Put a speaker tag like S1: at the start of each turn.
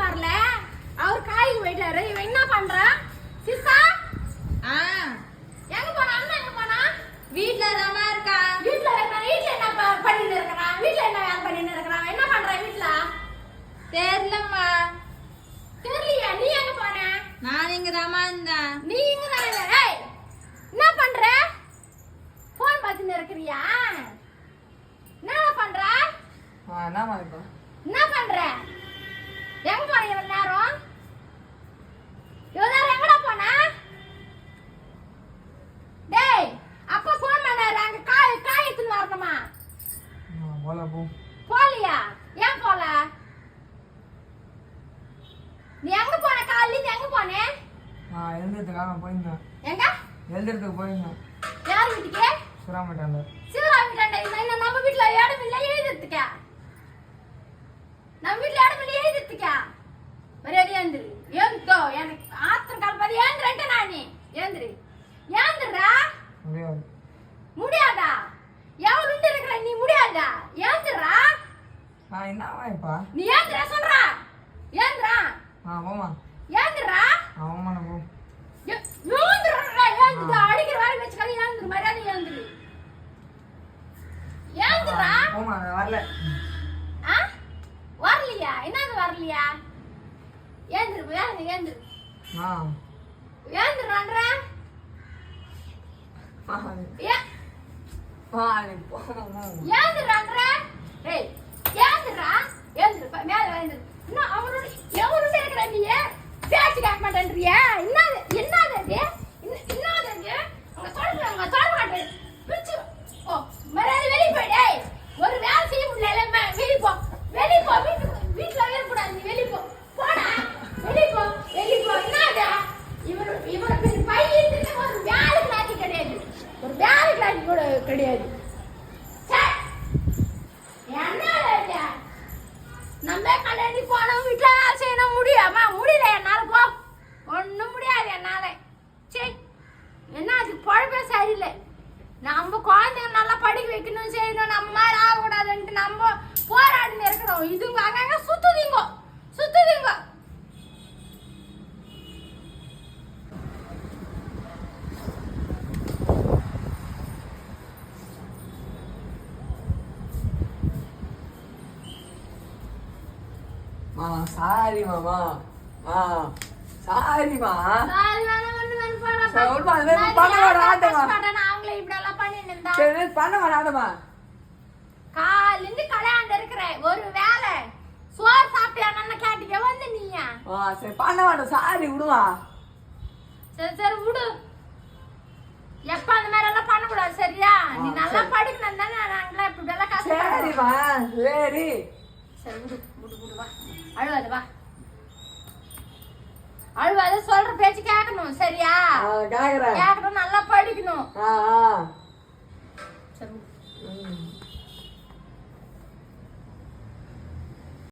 S1: வரல, அவர் காய்க்கு போயிட்டாரு. இவன் என்ன பண்றா? சிஸ்டா எங்க போனா? அண்ணா எங்க போனா?
S2: வீட்ல தாமா இருக்கா.
S1: வீட்ல இருக்கா? வீட்ல என்ன பண்ணிட்டு இருக்கறான்? வீட்ல என்ன வேலை பண்ணிட்டு இருக்கறான்? என்ன பண்றான் வீட்ல?
S2: தெரியலம்மா.
S1: தெரியலையா? நீ எங்க போன?
S2: நான் இங்க தாமா இருந்தேன்.
S1: நீ இங்க தான் இருந்த. ஏய் என்ன பண்ற? போன் பார்த்துட்டு இருக்கறியா? என்ன பண்ற?
S3: என்னமா இப்போ
S1: என்ன பண்ற? எங்க போன இவ்வளவு நேரம்? இவ்வளவு நேரம் எங்கடா போன? டேய் அப்பா போன் பண்ணாரு, அங்க காய் எடுத்துன்னு வரணுமா?
S3: போல போ.
S1: போலியா? ஏன் போல? நீ எங்க போன? காலையில எங்க போனே?
S3: எழுதுறதுக்காக போயிருந்தேன்.
S1: எங்க
S3: எழுதுறதுக்கு போயிருந்தேன்.
S1: யார் வீட்டுக்கு?
S3: சுறாமட்டாண்ட.
S1: சிவரா வீட்டாண்ட. என்ன நம்ம வீட்டுல இடம் இல்ல எழுதுறதுக்கா? நம்ம வீட்டுல இடம் இல்ல எழுதுறதுக்கா? மரியாதை ஏந்திரு. ஏந்தோ எனக்கு ஆத்திரம் கலப்பாது. ஏந்திரன்ட்டு நானே ஏந்திரு. ஏந்திரா.
S3: முடியாது.
S1: முடியாதா? எவ்வளவு உண்டு இருக்கிற நீ? முடியாதா? ஏந்திரா.
S3: என்னவா இப்பா?
S1: நீ ஏந்திரா சொல்றா. ஏந்திரா.
S3: போமா.
S1: ஏந்திரா.
S3: ஆமா போ.
S1: ஏந்திரா. ஏந்திரா. அடிக்கிற வேலை வச்சுக்காத. ஏந்திரு. மரியாதை ஏந்திரு. ஏந்திரா.
S3: போமா வரல.
S1: வரலையா? என்னது வரலையா? ஏந்திரு. ஏந்திரு. ஏந்திரன்ற. ஏந்திரன்ற. ஏய் ஏந்திரா. ஏந்திரு. மேல ஏந்திரு. இன்னும் அவரோட எவரோட இருக்கிற நீ பேச்சு கேட்க மாட்டேன்றியா? என்னது அது? என்னது அது? உங்க சொல்ல மாட்டேன். பிச்சு ஓ மரியாதை வெளியே போயிடு. ஒரு வேலை செய்ய முடியல. வெளியே போ. வெளியே போ. வீட்டுல இருக்கக்கூடாது. நீ வெளியே போ. போடா. வெளியே போ. என்னது? இவரோட பெரிய பையன் ஒரு வேலைக்கு நாட்டி கிடையாது. ஒரு வேலைக்கு நாட்டி கூட கிடையாது. என்ன நம்ம கல்யாணி போனோம். வீட்டுல வேலை செய்யணும். முடியாமா? முடியல என்னால. போ. ஒண்ணும் முடியாது என்னால. சரி என்ன அதுக்கு பழப்பே சரியில்லை. நம்ம குழந்தைங்க நல்லா படிக்க வைக்கணும், செய்யணும். நம்ம மாதிரி ஆகக்கூடாதுன்ட்டு நம்ம போராடின்னு இருக்கிறோம். இதுங்க அங்கங்க சுத்துதீங்க.
S3: சாரி மாமா. சாரிமா.
S1: சாரி வேணாம். ஒண்ணு வேணும். போடா.
S3: சொல்லுமா அது பண்ண வராதமா.
S1: அவங்களே இப்படி எல்லாம் பண்ணிட்டு இருந்தா
S3: சரி பண்ண வராதமா.
S1: காலிந்து கல்யாணம் இருக்கிற ஒரு வேலை சோறு சாப்பிட்டியான்னு கேட்டீங்க வந்து நீயா?
S3: சரி பண்ண மாட்டோம். சாரி விடுவா.
S1: சரி விடு. எப்ப அந்த மாதிரி எல்லாம் பண்ணக்கூடாது சரியா? நீ நல்லா படிக்கணும் தானே. நாங்களா இப்படி எல்லாம் கஷ்டப்படுறோம்.
S3: சரிமா.
S1: சரி விடு வா. அழுவாது வா. அழுவாது. சொல்ற பேச்சு கேட்கணும் சரியா? கேட்கணும். நல்லா படிக்கணும்.